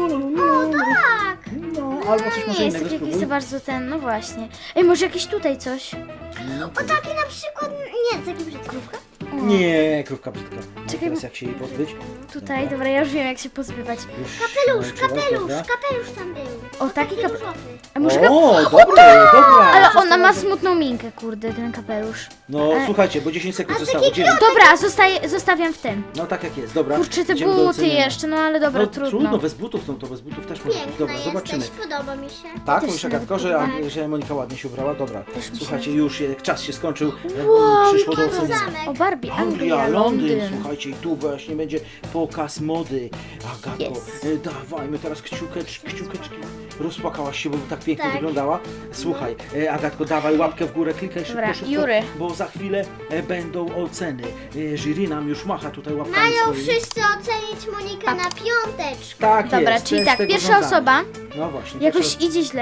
[SPEAKER 3] Tak.
[SPEAKER 2] No, albo coś może
[SPEAKER 1] Nie jest
[SPEAKER 2] innego
[SPEAKER 1] taki jakiś
[SPEAKER 2] spróbuj.
[SPEAKER 1] za bardzo ten, no właśnie. Ej, może jakieś tutaj coś?
[SPEAKER 3] O taki na przykład, nie, taki brzydki.
[SPEAKER 1] O,
[SPEAKER 2] Nie, krówka brzydka. No,
[SPEAKER 1] Czekaj,
[SPEAKER 2] teraz
[SPEAKER 1] bo-
[SPEAKER 2] jak się jej pozbyć?
[SPEAKER 1] Tutaj, dobra, ja już wiem jak się pozbywać.
[SPEAKER 2] Już
[SPEAKER 3] Kapelusz,
[SPEAKER 2] dobra.
[SPEAKER 3] kapelusz tam był.
[SPEAKER 1] O, taki
[SPEAKER 3] Taki
[SPEAKER 1] kap...
[SPEAKER 3] różowy.
[SPEAKER 1] A może
[SPEAKER 2] O, dobra.
[SPEAKER 1] Ale
[SPEAKER 2] Wszystko
[SPEAKER 1] ona ma
[SPEAKER 2] dobrze.
[SPEAKER 1] smutną minkę, kurde, ten kapelusz.
[SPEAKER 2] No
[SPEAKER 1] Ale-
[SPEAKER 2] słuchajcie, bo 10 sekund
[SPEAKER 3] A
[SPEAKER 2] zostało.
[SPEAKER 3] taki
[SPEAKER 2] 9.
[SPEAKER 1] Dobra, zostawiam w tym.
[SPEAKER 2] No tak jak jest, dobra.
[SPEAKER 1] Kurczę, te
[SPEAKER 2] Idziemy do
[SPEAKER 1] buty
[SPEAKER 2] ocenienia.
[SPEAKER 1] jeszcze, no ale dobra,
[SPEAKER 2] No
[SPEAKER 1] trudno.
[SPEAKER 2] bez butów, no to bez butów też może być.
[SPEAKER 3] Piękna
[SPEAKER 2] Dobra, zobaczymy.
[SPEAKER 3] jesteś, podoba mi się.
[SPEAKER 2] Tak,
[SPEAKER 1] Też
[SPEAKER 2] mówisz
[SPEAKER 1] się
[SPEAKER 2] Agatko, że,
[SPEAKER 1] nawet
[SPEAKER 2] że Monika ładnie się ubrała, dobra.
[SPEAKER 1] Też mi się-
[SPEAKER 2] Słuchajcie, już czas się skończył,
[SPEAKER 1] Wow,
[SPEAKER 2] przyszło do
[SPEAKER 3] jaki to
[SPEAKER 2] ocenienia.
[SPEAKER 3] zamek.
[SPEAKER 1] O Barbie,
[SPEAKER 2] Anglia, Londyn, słuchajcie, i tu właśnie będzie pokaz mody. Agatko,
[SPEAKER 1] Yes.
[SPEAKER 2] dawajmy teraz kciukeczki. Rozpłakałaś się, bo tak pięknie
[SPEAKER 3] Tak.
[SPEAKER 2] wyglądała. Słuchaj, Agatko, dawaj łapkę w górę, klikaj szybko,
[SPEAKER 1] Dobra,
[SPEAKER 2] szybko,
[SPEAKER 1] Jury.
[SPEAKER 2] bo za chwilę będą oceny. Jury nam już macha tutaj łapkami
[SPEAKER 3] Mają
[SPEAKER 2] swoimi.
[SPEAKER 3] wszyscy ocenić Monikę na piąteczkę.
[SPEAKER 2] Tak
[SPEAKER 1] Dobra,
[SPEAKER 2] jest,
[SPEAKER 1] czyli
[SPEAKER 2] też
[SPEAKER 1] tak,
[SPEAKER 2] tego
[SPEAKER 1] pierwsza
[SPEAKER 2] żądamy.
[SPEAKER 1] osoba
[SPEAKER 2] No właśnie.
[SPEAKER 1] jakoś
[SPEAKER 2] pierwsza-
[SPEAKER 1] idzie źle.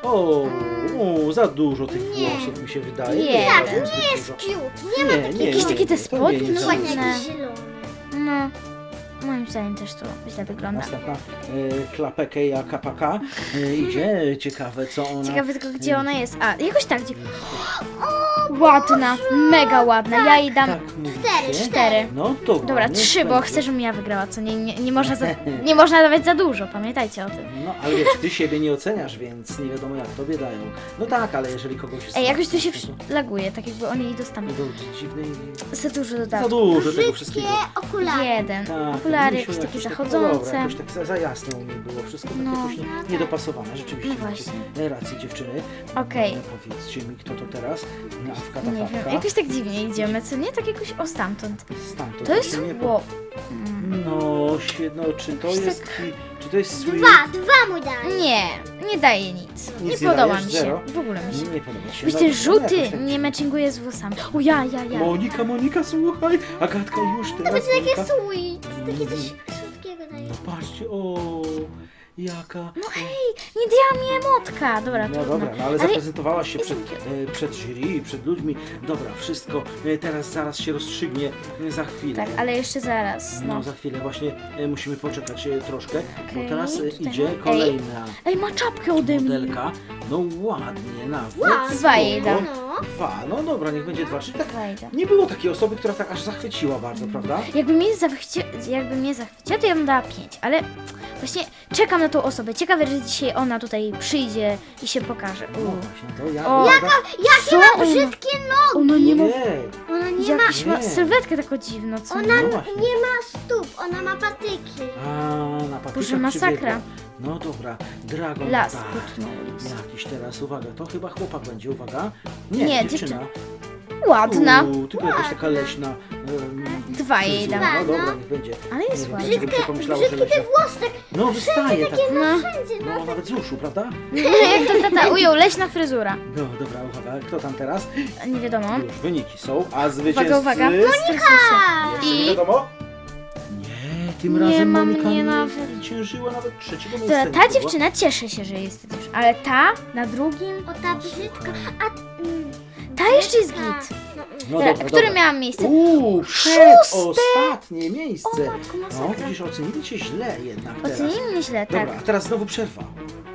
[SPEAKER 2] O, za dużo tych
[SPEAKER 3] Nie.
[SPEAKER 2] włosów mi się wydaje.
[SPEAKER 1] Nie.
[SPEAKER 3] Tak,
[SPEAKER 2] Zbyt
[SPEAKER 3] nie jest
[SPEAKER 2] dużo.
[SPEAKER 3] cute. Nie ma
[SPEAKER 2] Nie,
[SPEAKER 3] takich
[SPEAKER 2] nie,
[SPEAKER 1] Jakieś
[SPEAKER 2] nie,
[SPEAKER 1] takie te
[SPEAKER 2] nie, to
[SPEAKER 1] spodnie,
[SPEAKER 2] nie
[SPEAKER 1] no
[SPEAKER 2] jest
[SPEAKER 3] ładnie,
[SPEAKER 2] za-
[SPEAKER 1] ładne.
[SPEAKER 3] jakiś zielony.
[SPEAKER 1] No, moim zdaniem też to źle wygląda.
[SPEAKER 2] Następna klapekeja kapaka idzie. Ciekawe co ona...
[SPEAKER 1] Ciekawe tylko gdzie ona jest. A, jakoś tak gdzie. Ładna, mega ładna. Ja jej dam
[SPEAKER 2] Tak mówicie?
[SPEAKER 1] 4.
[SPEAKER 2] No to
[SPEAKER 1] Dobra,
[SPEAKER 2] ładnie,
[SPEAKER 1] 3, bo
[SPEAKER 2] słuchajcie.
[SPEAKER 1] chcę, żebym ja wygrała, co nie można nie można dawać za dużo, pamiętajcie o tym.
[SPEAKER 2] No, ale wiesz, ty siebie nie oceniasz, więc nie wiadomo jak tobie dają. No tak, ale jeżeli kogoś...
[SPEAKER 1] Ej, jakoś tu się
[SPEAKER 2] to-
[SPEAKER 1] laguje, tak jakby oni jej
[SPEAKER 2] to
[SPEAKER 1] dostali.
[SPEAKER 2] do dziwnej...
[SPEAKER 1] Za dużo
[SPEAKER 2] Za
[SPEAKER 1] dodatków.
[SPEAKER 2] dużo tego
[SPEAKER 3] Brzydkie
[SPEAKER 2] wszystkiego.
[SPEAKER 3] okulary.
[SPEAKER 1] 1.
[SPEAKER 2] Tak,
[SPEAKER 1] Okulary
[SPEAKER 2] myślę,
[SPEAKER 1] jakieś takie
[SPEAKER 2] tak,
[SPEAKER 1] zachodzące.
[SPEAKER 2] Dobra, jakoś tak za jasno u mnie było. Wszystko takie
[SPEAKER 1] No.
[SPEAKER 2] jakoś niedopasowane. Rzeczywiście
[SPEAKER 1] No
[SPEAKER 2] macie
[SPEAKER 1] właśnie.
[SPEAKER 2] rację dziewczyny.
[SPEAKER 1] Okej.
[SPEAKER 2] Powiedzcie mi, kto to teraz? Awka,
[SPEAKER 1] Nie wiem,
[SPEAKER 2] tafawka.
[SPEAKER 1] jakoś tak dziwnie idziemy, co nie? Tak jakoś o stamtąd.
[SPEAKER 2] Stamtąd
[SPEAKER 1] To jest
[SPEAKER 2] się nie po-
[SPEAKER 1] wow.
[SPEAKER 2] No, no, czy to
[SPEAKER 1] Jakoś
[SPEAKER 2] jest... Czy to jest sweet?
[SPEAKER 3] Dwa mu daj.
[SPEAKER 1] Nie daje nic.
[SPEAKER 2] Nic
[SPEAKER 1] Nie
[SPEAKER 2] nie
[SPEAKER 1] podoba
[SPEAKER 2] dajesz?
[SPEAKER 1] mi się.
[SPEAKER 2] Zero?
[SPEAKER 1] W ogóle mi się.
[SPEAKER 2] Nie podoba się.
[SPEAKER 1] Wiesz,
[SPEAKER 2] No,
[SPEAKER 1] ten
[SPEAKER 2] no,
[SPEAKER 1] żółty
[SPEAKER 2] jakoś tak
[SPEAKER 1] nie
[SPEAKER 2] dziwnie.
[SPEAKER 1] matchinguje z włosami. O ja.
[SPEAKER 2] Monika, słuchaj! Agatka już teraz.
[SPEAKER 3] To będzie takie
[SPEAKER 2] Monika.
[SPEAKER 3] sweet. Takie coś słodkiego daje.
[SPEAKER 2] No patrzcie, o, jaka...
[SPEAKER 1] No hej, nie dała mi emotka. Dobra,
[SPEAKER 2] No
[SPEAKER 1] trudno.
[SPEAKER 2] dobra, no ale
[SPEAKER 1] Ale
[SPEAKER 2] zaprezentowałaś się
[SPEAKER 1] jest
[SPEAKER 2] przed jury, przed ludźmi. Dobra, wszystko teraz zaraz się rozstrzygnie za chwilę.
[SPEAKER 1] tak, ale jeszcze zaraz.
[SPEAKER 2] No
[SPEAKER 1] No.
[SPEAKER 2] za chwilę właśnie musimy poczekać troszkę,
[SPEAKER 1] Okej,
[SPEAKER 2] bo teraz
[SPEAKER 1] tutaj
[SPEAKER 2] idzie
[SPEAKER 1] mam-
[SPEAKER 2] kolejna
[SPEAKER 1] Ej, ma czapkę ode mnie.
[SPEAKER 2] modelka. No ładnie, nawet.
[SPEAKER 3] Ładnie.
[SPEAKER 1] Dwa jej
[SPEAKER 2] spoko.
[SPEAKER 1] dam.
[SPEAKER 3] No.
[SPEAKER 2] Dwa, no dobra, niech będzie dwa. Czyli tak
[SPEAKER 1] Wejdę.
[SPEAKER 2] nie było takiej osoby, która tak aż zachwyciła bardzo, prawda?
[SPEAKER 1] Jakby mnie zachwyciła, to ja bym dała 5, ale właśnie czekam na tą osobę. Ciekawe, że dzisiaj ona tutaj przyjdzie i się pokaże.
[SPEAKER 2] No właśnie, to ja...
[SPEAKER 1] O,
[SPEAKER 2] ja
[SPEAKER 3] Jakie
[SPEAKER 1] Co
[SPEAKER 3] ma
[SPEAKER 1] ona-
[SPEAKER 3] brzydkie nogi.
[SPEAKER 1] Ona nie ma...
[SPEAKER 2] nie,
[SPEAKER 3] Ona nie ma,
[SPEAKER 1] Jakiś ma
[SPEAKER 2] Nie.
[SPEAKER 1] sylwetkę taką dziwną, co
[SPEAKER 3] ona
[SPEAKER 1] nie?
[SPEAKER 2] No właśnie.
[SPEAKER 3] nie ma stóp, ona ma patyki.
[SPEAKER 2] A, na patykach
[SPEAKER 1] Boże, masakra.
[SPEAKER 2] przybiegła. No dobra, Dragon
[SPEAKER 1] Las
[SPEAKER 2] tak.
[SPEAKER 1] utknął.
[SPEAKER 2] Jakiś teraz, uwaga, to chyba chłopak będzie, uwaga.
[SPEAKER 1] Nie,
[SPEAKER 2] dziewczyna.
[SPEAKER 1] Ładna.
[SPEAKER 2] Tylko jakaś taka leśna.
[SPEAKER 1] Dwa jej
[SPEAKER 2] fryzura.
[SPEAKER 1] dam.
[SPEAKER 2] No dobra, niech będzie.
[SPEAKER 1] Ale jest
[SPEAKER 2] Nie wiem,
[SPEAKER 1] ładna.
[SPEAKER 2] dlaczego mi się pomyślało, że
[SPEAKER 3] Brzydkie te
[SPEAKER 2] leśna.
[SPEAKER 3] włosy, tak
[SPEAKER 2] No wystaje tak.
[SPEAKER 1] No.
[SPEAKER 3] wszędzie, no.
[SPEAKER 2] No nawet z uszu, prawda?
[SPEAKER 1] Jak to tata ujął, leśna fryzura.
[SPEAKER 2] No dobra, uwaga, kto tam teraz?
[SPEAKER 1] Nie wiadomo.
[SPEAKER 2] Już wyniki są, a zwycięzcy...
[SPEAKER 1] Uwaga.
[SPEAKER 2] Jeszcze
[SPEAKER 1] I-
[SPEAKER 2] nie wiadomo? Nie, tym
[SPEAKER 1] Nie
[SPEAKER 2] razem
[SPEAKER 1] ma
[SPEAKER 2] Monika
[SPEAKER 1] mnie
[SPEAKER 2] nie
[SPEAKER 1] nawet.
[SPEAKER 2] zwyciężyła nawet trzeciego
[SPEAKER 1] To
[SPEAKER 2] miejsca.
[SPEAKER 1] ta dziewczyna cieszy się, że jest dziewczyna, ale ta na drugim,
[SPEAKER 3] O, ta brzydka. A,
[SPEAKER 1] ta jeszcze jest
[SPEAKER 3] brzydka.
[SPEAKER 1] git.
[SPEAKER 2] No
[SPEAKER 1] Dobra,
[SPEAKER 2] dobra,
[SPEAKER 1] które
[SPEAKER 2] dobra.
[SPEAKER 1] miałam miejsce?
[SPEAKER 2] Ostatnie miejsce.
[SPEAKER 3] O, matko,
[SPEAKER 2] No,
[SPEAKER 3] masakra.
[SPEAKER 2] widzisz, ocenili cię źle jednak teraz.
[SPEAKER 1] Ocenili mnie źle, tak.
[SPEAKER 2] Dobra, a teraz znowu przerwa.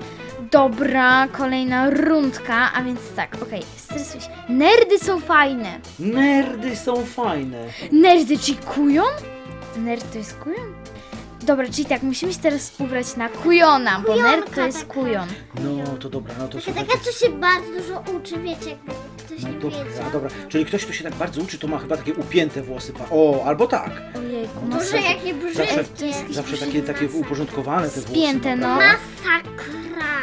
[SPEAKER 1] Dobra, kolejna rundka, a więc tak, okej, stresuj się. Nerdy są fajne.
[SPEAKER 2] Nerdy są fajne.
[SPEAKER 1] Nerdy, czyli kujon? Nerd to jest kujon? Dobra, czyli tak, musimy się teraz ubrać na kujona, bo
[SPEAKER 3] Kujonka
[SPEAKER 1] nerd to jest
[SPEAKER 3] taka.
[SPEAKER 1] kujon.
[SPEAKER 2] No to dobra, no to
[SPEAKER 3] Taka,
[SPEAKER 2] słuchajcie.
[SPEAKER 3] taka, co się bardzo dużo uczy, wiecie, jakby ktoś
[SPEAKER 2] No
[SPEAKER 3] nie
[SPEAKER 2] dobra,
[SPEAKER 3] wiedział.
[SPEAKER 2] dobra. Czyli ktoś, kto się tak bardzo uczy, to ma chyba takie upięte włosy. O, albo tak.
[SPEAKER 1] Ojejku,
[SPEAKER 2] No to
[SPEAKER 3] Boże,
[SPEAKER 2] zawsze-
[SPEAKER 3] jakie
[SPEAKER 2] zawsze-
[SPEAKER 3] brzydkie.
[SPEAKER 1] to jest jakiś
[SPEAKER 2] Zawsze takie uporządkowane te włosy.
[SPEAKER 1] Spięte, no.
[SPEAKER 2] prawda?
[SPEAKER 3] Masakra.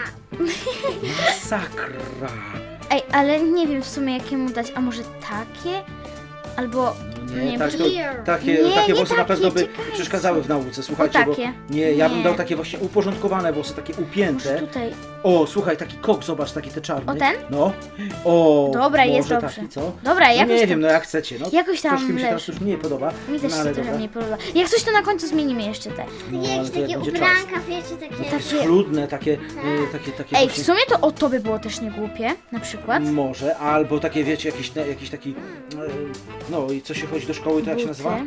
[SPEAKER 2] Masakra.
[SPEAKER 1] Ej, ale nie wiem w sumie jakiemu dać, a może takie? Albo,
[SPEAKER 2] No
[SPEAKER 1] nie
[SPEAKER 2] nie,
[SPEAKER 1] wiem,
[SPEAKER 2] tak, to,
[SPEAKER 3] clear.
[SPEAKER 2] takie,
[SPEAKER 1] Nie,
[SPEAKER 2] takie
[SPEAKER 1] nie
[SPEAKER 2] włosy na
[SPEAKER 1] takie,
[SPEAKER 2] pewno by
[SPEAKER 1] czekajcie.
[SPEAKER 2] przeszkadzały w nauce. Słuchajcie,
[SPEAKER 1] takie.
[SPEAKER 2] bo nie, ja bym
[SPEAKER 1] Nie.
[SPEAKER 2] dał takie właśnie uporządkowane włosy, takie
[SPEAKER 1] może
[SPEAKER 2] upięte.
[SPEAKER 1] tutaj.
[SPEAKER 2] O, słuchaj, taki kok, zobacz, taki te czarny.
[SPEAKER 1] O, ten?
[SPEAKER 2] No. O,
[SPEAKER 1] Dobra, jest
[SPEAKER 2] może
[SPEAKER 1] dobrze.
[SPEAKER 2] taki, co?
[SPEAKER 1] Dobra,
[SPEAKER 2] No
[SPEAKER 1] jakoś
[SPEAKER 2] nie
[SPEAKER 1] tam,
[SPEAKER 2] wiem, no jak chcecie. No,
[SPEAKER 1] jakoś tam
[SPEAKER 2] troszkę mi się teraz
[SPEAKER 1] leży.
[SPEAKER 2] już mniej podoba.
[SPEAKER 1] Mi też
[SPEAKER 2] no,
[SPEAKER 1] się
[SPEAKER 2] ale
[SPEAKER 1] trochę
[SPEAKER 2] dobra.
[SPEAKER 1] nie podoba. Jak coś to na końcu zmienimy jeszcze te.
[SPEAKER 2] No, ale
[SPEAKER 3] Jakieś
[SPEAKER 2] to jak
[SPEAKER 3] takie
[SPEAKER 2] będzie czas.
[SPEAKER 3] ubranka, wiecie, takie...
[SPEAKER 1] Tak.
[SPEAKER 2] Schludne, takie, takie
[SPEAKER 1] Ej, w
[SPEAKER 2] właśnie-
[SPEAKER 1] sumie to by było też nie głupie, na przykład.
[SPEAKER 2] Może, albo takie, wiecie, jakiś taki, no i co się chodzi do szkoły, to jak się
[SPEAKER 1] Buty.
[SPEAKER 2] nazywa?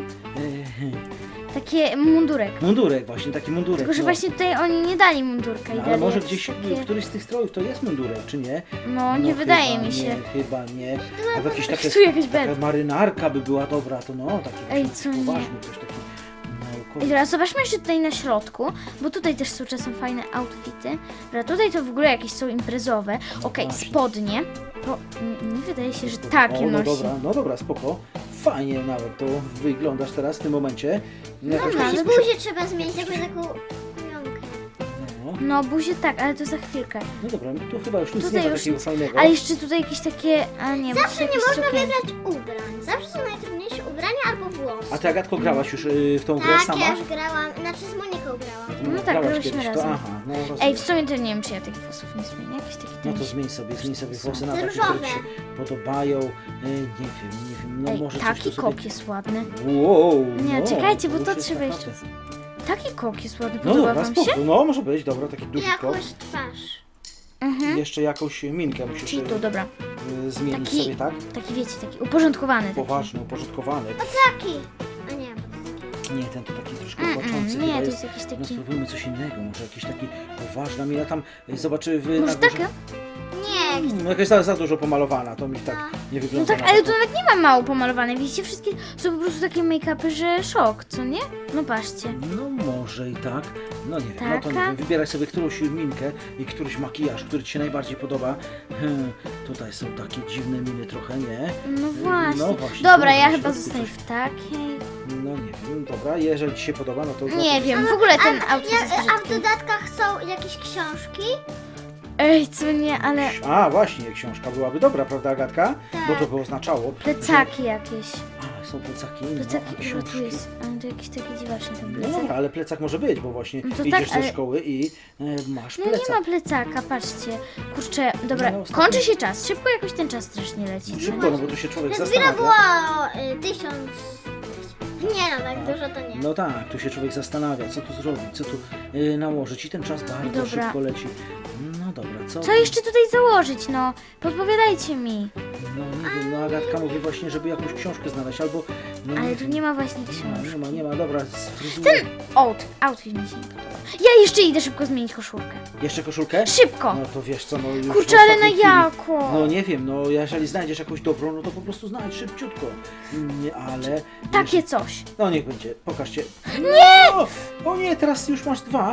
[SPEAKER 1] Takie mundurek.
[SPEAKER 2] Mundurek właśnie, taki mundurek.
[SPEAKER 1] Tylko, że
[SPEAKER 2] no.
[SPEAKER 1] właśnie tutaj oni nie dali mundurka i
[SPEAKER 2] No, ale
[SPEAKER 1] dali
[SPEAKER 2] może
[SPEAKER 1] jakieś
[SPEAKER 2] gdzieś
[SPEAKER 1] takie...
[SPEAKER 2] któryś z tych strojów to jest mundurek, czy nie?
[SPEAKER 1] No, nie wydaje
[SPEAKER 2] chyba
[SPEAKER 1] mi się.
[SPEAKER 2] Nie, chyba nie. Albo jakieś takie,
[SPEAKER 1] Tu jakaś
[SPEAKER 2] taka
[SPEAKER 1] bed.
[SPEAKER 2] marynarka by była dobra, to no, taki
[SPEAKER 1] Ej,
[SPEAKER 2] właśnie
[SPEAKER 1] co nie?
[SPEAKER 2] poważny, coś taki
[SPEAKER 1] I
[SPEAKER 2] naukowy.
[SPEAKER 1] teraz zobaczmy jeszcze tutaj na środku, bo tutaj też są czasem fajne outfity. Dobra, tutaj to w ogóle jakieś są imprezowe. Okej,
[SPEAKER 2] właśnie.
[SPEAKER 1] spodnie. To nie wydaje się, że takie
[SPEAKER 2] O, no
[SPEAKER 1] nosi.
[SPEAKER 2] dobra, no dobra, spoko. Fajnie nawet to wyglądasz teraz w tym momencie. Jakoś
[SPEAKER 1] Dobra,
[SPEAKER 2] tak się
[SPEAKER 3] Jakieś buzię trzeba zmienić, jakąś taką kujonkę.
[SPEAKER 2] no,
[SPEAKER 1] No, buzie tak, ale to za chwilkę.
[SPEAKER 2] no dobra, tu chyba już nic
[SPEAKER 1] Tutaj
[SPEAKER 2] nie ma
[SPEAKER 1] już
[SPEAKER 2] takiego
[SPEAKER 1] nic.
[SPEAKER 2] fajnego.
[SPEAKER 1] Ale jeszcze tutaj jakieś takie... A nie, bo to
[SPEAKER 3] Zawsze nie
[SPEAKER 1] jakieś
[SPEAKER 3] można
[SPEAKER 1] sukienki.
[SPEAKER 3] wybrać ubrań. Zawsze są najtrudniejsze ubrania albo włosy.
[SPEAKER 2] A ty, Agatko, grałaś już w tą grę
[SPEAKER 3] Tak,
[SPEAKER 2] sama?
[SPEAKER 3] ja już grałam, znaczy z Moniką grałam.
[SPEAKER 1] No tak,
[SPEAKER 2] grałaś
[SPEAKER 1] grałyśmy
[SPEAKER 2] kiedyś,
[SPEAKER 1] razem.
[SPEAKER 2] To, aha, no rozumiem.
[SPEAKER 1] Ej, w sumie to nie wiem, czy ja tych włosów nie zmienię. Jakieś takie
[SPEAKER 2] No to
[SPEAKER 1] ten-
[SPEAKER 2] zmień sobie włosy na
[SPEAKER 3] Te
[SPEAKER 2] takie, które ci
[SPEAKER 3] różowe.
[SPEAKER 2] się podobają. Nie wiem, no
[SPEAKER 1] Ej,
[SPEAKER 2] może
[SPEAKER 1] taki
[SPEAKER 2] coś tu sobie...
[SPEAKER 1] kok jest ładny.
[SPEAKER 2] Wow,
[SPEAKER 1] Nie,
[SPEAKER 2] no,
[SPEAKER 1] czekajcie, bo
[SPEAKER 2] już
[SPEAKER 1] to
[SPEAKER 2] jest
[SPEAKER 1] trzeba
[SPEAKER 2] naprawdę-
[SPEAKER 1] jeszcze... Taki kok jest ładny,
[SPEAKER 2] No
[SPEAKER 1] podoba
[SPEAKER 2] dobra,
[SPEAKER 1] wam
[SPEAKER 2] spoko,
[SPEAKER 1] się?
[SPEAKER 2] no może być, dobra, taki
[SPEAKER 3] I
[SPEAKER 2] duży kok.
[SPEAKER 3] jakąś twarz.
[SPEAKER 1] Mhm.
[SPEAKER 2] I jeszcze jakąś minkę musisz
[SPEAKER 1] Czyli tu, dobra.
[SPEAKER 2] zmienić
[SPEAKER 1] Taki-
[SPEAKER 2] sobie, tak?
[SPEAKER 1] Taki wiecie, taki uporządkowany. Taki.
[SPEAKER 2] Poważny, uporządkowany.
[SPEAKER 3] Taki. A nie,
[SPEAKER 2] Nie, ten to taki troszkę
[SPEAKER 1] Mm,
[SPEAKER 2] płaczący
[SPEAKER 1] nie,
[SPEAKER 2] chyba
[SPEAKER 1] to jest jakiś
[SPEAKER 2] No
[SPEAKER 1] taki...
[SPEAKER 2] spróbujmy coś innego, może jakiś taki poważny. Mina tam zobaczy w
[SPEAKER 1] Może
[SPEAKER 2] na górze-
[SPEAKER 1] takie?
[SPEAKER 3] nie.
[SPEAKER 2] No jakaś za dużo pomalowana, to mi tak nie
[SPEAKER 1] No
[SPEAKER 2] wygląda.
[SPEAKER 1] tak,
[SPEAKER 2] na
[SPEAKER 1] ale
[SPEAKER 2] to.
[SPEAKER 1] tu nawet nie ma mało pomalowane. Widzicie, wszystkie są po prostu takie make-upy, że szok, co nie? No patrzcie.
[SPEAKER 2] No może i tak. No nie wiem, no to nie
[SPEAKER 1] Taka?
[SPEAKER 2] wiem. Wybieraj sobie którąś minkę i któryś makijaż, który ci się najbardziej podoba. Tutaj są takie dziwne miny trochę, nie?
[SPEAKER 1] No właśnie.
[SPEAKER 2] No właśnie,
[SPEAKER 1] Dobra,
[SPEAKER 2] tu
[SPEAKER 1] ja
[SPEAKER 2] na
[SPEAKER 1] chyba
[SPEAKER 2] środku
[SPEAKER 1] zostaję
[SPEAKER 2] coś-
[SPEAKER 1] w takiej.
[SPEAKER 2] No nie wiem, dobra, jeżeli ci się podoba, no to...
[SPEAKER 1] Nie wiem, w ogóle ten
[SPEAKER 3] A,
[SPEAKER 1] outfit jest
[SPEAKER 3] a w
[SPEAKER 1] brzydki.
[SPEAKER 3] dodatkach są jakieś książki?
[SPEAKER 1] Ej, co nie, ale
[SPEAKER 2] A, właśnie, książka byłaby dobra, prawda, Agatka?
[SPEAKER 3] Tak.
[SPEAKER 2] Bo to by oznaczało...
[SPEAKER 1] plecaki jakieś.
[SPEAKER 2] A, są plecaki, no, a
[SPEAKER 1] Plecaki, bo
[SPEAKER 2] książki...
[SPEAKER 1] tu jest, ale to jakiś taki dziwaczny ten
[SPEAKER 2] No
[SPEAKER 1] plecak.
[SPEAKER 2] dobra, ale plecak może być, bo właśnie
[SPEAKER 1] No to
[SPEAKER 2] idziesz
[SPEAKER 1] tak,
[SPEAKER 2] ze
[SPEAKER 1] ale-
[SPEAKER 2] szkoły i masz
[SPEAKER 1] No nie
[SPEAKER 2] plecak.
[SPEAKER 1] ma plecaka, patrzcie. Kurczę, dobra,
[SPEAKER 2] No, ostatnio-
[SPEAKER 1] kończy się czas. Szybko jakoś ten czas strasznie leci. co?
[SPEAKER 2] Szybko, no bo tu się człowiek
[SPEAKER 3] Przed chwilą
[SPEAKER 2] zastanawia.
[SPEAKER 3] było 1000... Nie no, tak dużo to nie.
[SPEAKER 2] No tak, tu się człowiek zastanawia, co tu zrobić, co tu nałożyć i ten czas bardzo
[SPEAKER 1] Dobra.
[SPEAKER 2] szybko leci. No dobra, co?
[SPEAKER 1] Co jeszcze tutaj założyć, no? Podpowiadajcie mi.
[SPEAKER 2] No nie wiem, no Agatka mówi właśnie, żeby jakąś książkę znaleźć, albo... No,
[SPEAKER 1] Ale
[SPEAKER 2] nie
[SPEAKER 1] tu
[SPEAKER 2] wiem.
[SPEAKER 1] nie ma właśnie
[SPEAKER 2] No,
[SPEAKER 1] książki.
[SPEAKER 2] nie ma, dobra, z fryzurą.
[SPEAKER 1] Outfit mi się nie podoba. Ja jeszcze idę szybko zmienić koszulkę.
[SPEAKER 2] Jeszcze koszulkę?
[SPEAKER 1] Szybko!
[SPEAKER 2] No to wiesz co, no już
[SPEAKER 1] Kurczę,
[SPEAKER 2] w
[SPEAKER 1] ale na
[SPEAKER 2] ostatniej chwili-
[SPEAKER 1] jako?
[SPEAKER 2] No nie wiem, no jeżeli znajdziesz jakąś dobrą, no to po prostu znajdź szybciutko. Nie, ale...
[SPEAKER 1] Takie coś.
[SPEAKER 2] No niech będzie, pokażcie. Nie! O nie, teraz już masz 2.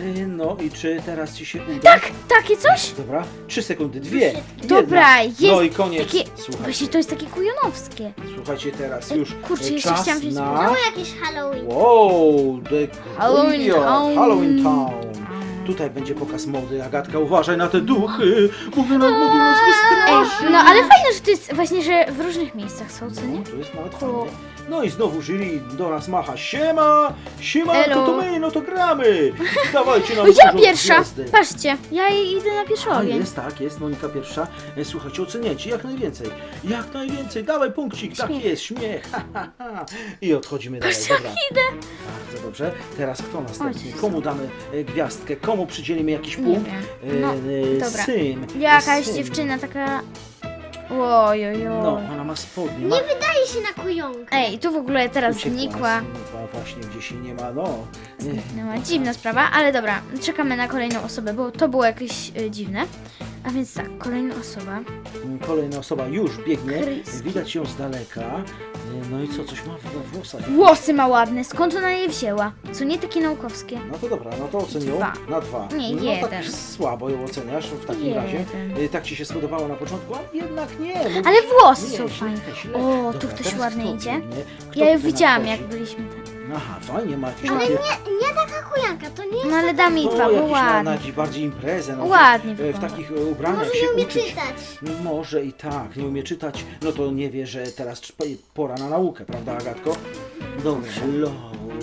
[SPEAKER 2] No i czy teraz ci się uda?
[SPEAKER 1] Tak, takie coś?
[SPEAKER 2] Dobra, 3 sekundy, 2. jedna.
[SPEAKER 1] Dobra, jest
[SPEAKER 2] No i koniec.
[SPEAKER 1] takie...
[SPEAKER 2] Słuchajcie,
[SPEAKER 1] Właśnie to jest takie kujonowskie.
[SPEAKER 2] słuchajcie teraz
[SPEAKER 1] Ej,
[SPEAKER 2] już
[SPEAKER 1] kurczę, jeszcze
[SPEAKER 2] czas
[SPEAKER 1] chciałam wziąć
[SPEAKER 2] na...
[SPEAKER 3] Było jakieś Halloween.
[SPEAKER 2] Wow, the
[SPEAKER 1] Halloween
[SPEAKER 2] New York,
[SPEAKER 1] Town.
[SPEAKER 2] Halloween Town. tutaj będzie pokaz mody. Agatka, uważaj na te duchy, mogą nas wystraszyć.
[SPEAKER 1] No ale fajne, że to jest właśnie, że w różnych miejscach są, co nie?
[SPEAKER 2] No, to jest nawet fajnie. No i znowu jury do nas macha. Siema! Siemanko,
[SPEAKER 1] Elo.
[SPEAKER 2] to my, no to gramy! Dawajcie nam
[SPEAKER 1] Ja
[SPEAKER 2] dużo
[SPEAKER 1] pierwsza!
[SPEAKER 2] gwiazdek.
[SPEAKER 1] Patrzcie, ja idę na pierwszy
[SPEAKER 2] A
[SPEAKER 1] ogień.
[SPEAKER 2] jest, tak, jest, Monika pierwsza. Słuchajcie, oceniajcie jak najwięcej. Jak najwięcej, dawaj punkcik, tak
[SPEAKER 1] Śmiech.
[SPEAKER 2] jest, śmiech. Ha, ha, ha. I odchodzimy dalej,
[SPEAKER 1] Patrzcie,
[SPEAKER 2] dobra.
[SPEAKER 1] jak idę.
[SPEAKER 2] Bardzo dobrze. Teraz kto następny?
[SPEAKER 1] Oj,
[SPEAKER 2] Komu damy gwiazdkę? Komu przydzielimy jakiś
[SPEAKER 1] Nie
[SPEAKER 2] punkt?
[SPEAKER 1] wiem. No, dobra.
[SPEAKER 2] Syn.
[SPEAKER 1] Jakaś
[SPEAKER 2] Syn.
[SPEAKER 1] dziewczyna taka... Ojojoj.
[SPEAKER 2] No, ona ma spodnie.
[SPEAKER 3] Nie wydaje się na kujonkę.
[SPEAKER 1] Ej, tu w ogóle teraz
[SPEAKER 2] Uciekła,
[SPEAKER 1] znikła.
[SPEAKER 2] właśnie gdzieś jej nie ma, no.
[SPEAKER 1] Zniknęła. Dziwna sprawa, ale dobra, czekamy na kolejną osobę, bo to było jakieś dziwne. A więc tak, kolejna osoba.
[SPEAKER 2] Kolejna osoba już biegnie,
[SPEAKER 1] Kryski.
[SPEAKER 2] widać ją z daleka. No i co, coś ma we włosach.
[SPEAKER 1] Włosy ma ładne, skąd ona je wzięła? Co nie takie naukowskie?
[SPEAKER 2] No to dobra, no to ocenią
[SPEAKER 1] 2.
[SPEAKER 2] na 2.
[SPEAKER 1] Nie,
[SPEAKER 2] no
[SPEAKER 1] jeden.
[SPEAKER 2] tak słabo ją oceniasz w takim
[SPEAKER 1] 1.
[SPEAKER 2] razie. Tak ci się spodobało na początku, a jednak nie. Mówisz,
[SPEAKER 1] Ale włosy
[SPEAKER 2] nie,
[SPEAKER 1] są
[SPEAKER 2] źle,
[SPEAKER 1] fajne.
[SPEAKER 2] źle.
[SPEAKER 1] O,
[SPEAKER 2] Dobra,
[SPEAKER 1] tu ktoś
[SPEAKER 2] teraz
[SPEAKER 1] ładnie
[SPEAKER 2] kto
[SPEAKER 1] idzie.
[SPEAKER 2] biegnie? Kto
[SPEAKER 1] Ja ją
[SPEAKER 2] tutaj
[SPEAKER 1] widziałam,
[SPEAKER 2] nadchodzi?
[SPEAKER 1] jak byliśmy tam.
[SPEAKER 2] Aha, fajnie, ma jakieś
[SPEAKER 3] Ale
[SPEAKER 2] takie...
[SPEAKER 3] nie taka kujanka, to nie jest
[SPEAKER 1] No ale dam jej
[SPEAKER 2] No,
[SPEAKER 1] 2, bo
[SPEAKER 2] jakieś na
[SPEAKER 1] ładnie.
[SPEAKER 2] jakieś bardziej imprezę. No,
[SPEAKER 1] Ładnie
[SPEAKER 2] w
[SPEAKER 1] wygląda.
[SPEAKER 2] takich ubraniach
[SPEAKER 3] Może
[SPEAKER 2] się
[SPEAKER 3] nie umie
[SPEAKER 2] uczyć.
[SPEAKER 3] czytać.
[SPEAKER 2] Może i tak, nie umie czytać, no to nie wie, że teraz pora na naukę, prawda, Agatko? Dobrze, love.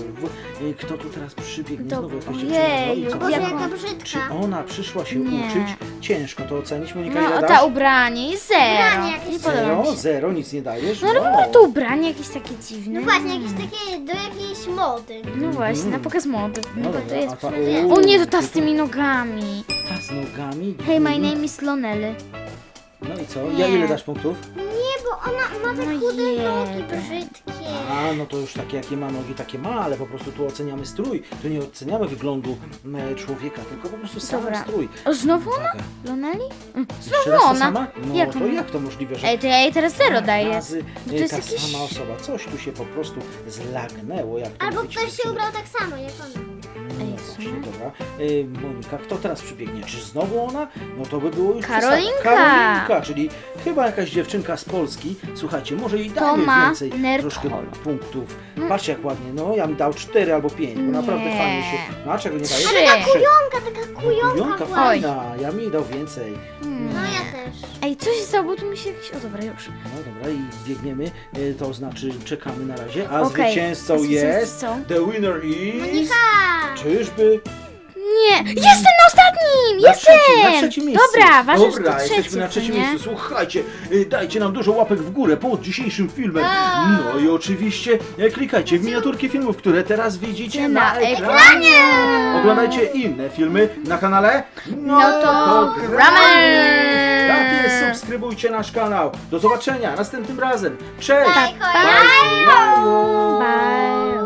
[SPEAKER 2] Kto tu teraz przybiegnie? Znowu jakaś dziewczyna. No i
[SPEAKER 1] Ojeju,
[SPEAKER 2] co?
[SPEAKER 3] Boże,
[SPEAKER 1] Jak
[SPEAKER 3] jaka
[SPEAKER 1] on-
[SPEAKER 2] Czy
[SPEAKER 3] brzydka.
[SPEAKER 2] ona przyszła się
[SPEAKER 1] Nie.
[SPEAKER 2] uczyć? Ciężko to ocenić, Monika, ile
[SPEAKER 1] No,
[SPEAKER 2] dasz?
[SPEAKER 1] ta ubranie jest 0.
[SPEAKER 3] Ubranie jakieś
[SPEAKER 1] Nie podoba mi
[SPEAKER 2] Zero,
[SPEAKER 1] się.
[SPEAKER 2] zero, nic nie dajesz?
[SPEAKER 1] No ale w ogóle to ubranie jakieś takie dziwne.
[SPEAKER 3] No właśnie, jakieś takie do jakiejś mody.
[SPEAKER 1] No właśnie, na pokaz mody.
[SPEAKER 2] No
[SPEAKER 1] No to
[SPEAKER 2] dobra,
[SPEAKER 1] jest...
[SPEAKER 2] a ta,
[SPEAKER 1] O nie, to ta z tymi nogami.
[SPEAKER 2] Ta z nogami?
[SPEAKER 1] Hey, my name is Lonely.
[SPEAKER 2] No i co?
[SPEAKER 1] Nie.
[SPEAKER 2] Ja ile dasz punktów?
[SPEAKER 3] Nie, bo ona ma te
[SPEAKER 1] No
[SPEAKER 3] chude nogi
[SPEAKER 1] jeden.
[SPEAKER 3] brzydkie.
[SPEAKER 2] A, no to już takie, jakie ma nogi, takie ma, ale po prostu tu oceniamy strój. Tu nie oceniamy wyglądu człowieka, tylko po prostu sam
[SPEAKER 1] Dobra.
[SPEAKER 2] strój.
[SPEAKER 1] O, znowu ona?
[SPEAKER 2] Uwaga.
[SPEAKER 1] Lonely?
[SPEAKER 2] Jeszcze
[SPEAKER 1] Znowu
[SPEAKER 2] raz ta
[SPEAKER 1] ona.
[SPEAKER 2] sama? No
[SPEAKER 1] Jak
[SPEAKER 2] to
[SPEAKER 1] ona?
[SPEAKER 2] jak to możliwe, że
[SPEAKER 1] Ej, to ja jej teraz 0
[SPEAKER 2] dwa
[SPEAKER 1] daję.
[SPEAKER 2] razy,
[SPEAKER 1] No to jest
[SPEAKER 2] ta
[SPEAKER 1] jakiś...
[SPEAKER 2] sama osoba? Coś tu się po prostu zlagnęło. Jak to
[SPEAKER 3] Albo
[SPEAKER 2] mówić,
[SPEAKER 3] ktoś się
[SPEAKER 2] dziewczyny?
[SPEAKER 3] ubrał tak samo jak ona.
[SPEAKER 2] No
[SPEAKER 1] Ej,
[SPEAKER 2] właśnie,
[SPEAKER 1] słuchaj.
[SPEAKER 2] dobra. Monika, kto teraz przybiegnie? Czy znowu ona? No to by było już
[SPEAKER 1] Karolinka.
[SPEAKER 2] przesada. Karolinka, czyli chyba jakaś dziewczynka z Polski. Słuchajcie, może jej dajmy
[SPEAKER 1] ma
[SPEAKER 2] więcej troszkę
[SPEAKER 1] Nerdholo.
[SPEAKER 2] punktów. Patrzcie jak ładnie, no ja bym dał 4 albo 5, bo naprawdę
[SPEAKER 1] Nie.
[SPEAKER 2] fajnie się... No a czego nie dajesz?
[SPEAKER 1] 3.
[SPEAKER 3] Taka kujonka
[SPEAKER 2] Kujonka
[SPEAKER 3] była.
[SPEAKER 2] fajna, ja mi dał więcej.
[SPEAKER 3] No ja też.
[SPEAKER 1] Ej, co się stało, bo tu mi się jakieś... O dobra, już.
[SPEAKER 2] No dobra, i biegniemy, to znaczy czekamy na razie, a
[SPEAKER 1] Okej.
[SPEAKER 2] zwycięzcą
[SPEAKER 1] Zwycięzcą.
[SPEAKER 2] jest... The winner is...
[SPEAKER 3] Monika!
[SPEAKER 2] Czyżby?
[SPEAKER 1] Nie! Jestem na ostatnim!
[SPEAKER 2] Na
[SPEAKER 1] Jestem!
[SPEAKER 2] trzecim, na trzecim miejscu.
[SPEAKER 1] Dobra, ważne, że
[SPEAKER 2] Dobra,
[SPEAKER 1] to
[SPEAKER 2] jesteśmy
[SPEAKER 1] trzecie,
[SPEAKER 2] na
[SPEAKER 1] co
[SPEAKER 2] trzecim
[SPEAKER 1] nie?
[SPEAKER 2] miejscu. Słuchajcie, dajcie nam dużo łapek w górę pod dzisiejszym filmem. No i oczywiście klikajcie w miniaturki filmów, które teraz widzicie na
[SPEAKER 1] Na
[SPEAKER 2] ekranie. Oglądajcie inne filmy na kanale.
[SPEAKER 1] No to gramy!
[SPEAKER 2] Tak jest, subskrybujcie nasz kanał. Do zobaczenia następnym razem. Cześć!
[SPEAKER 3] Bye,
[SPEAKER 2] Bye.
[SPEAKER 1] Bye!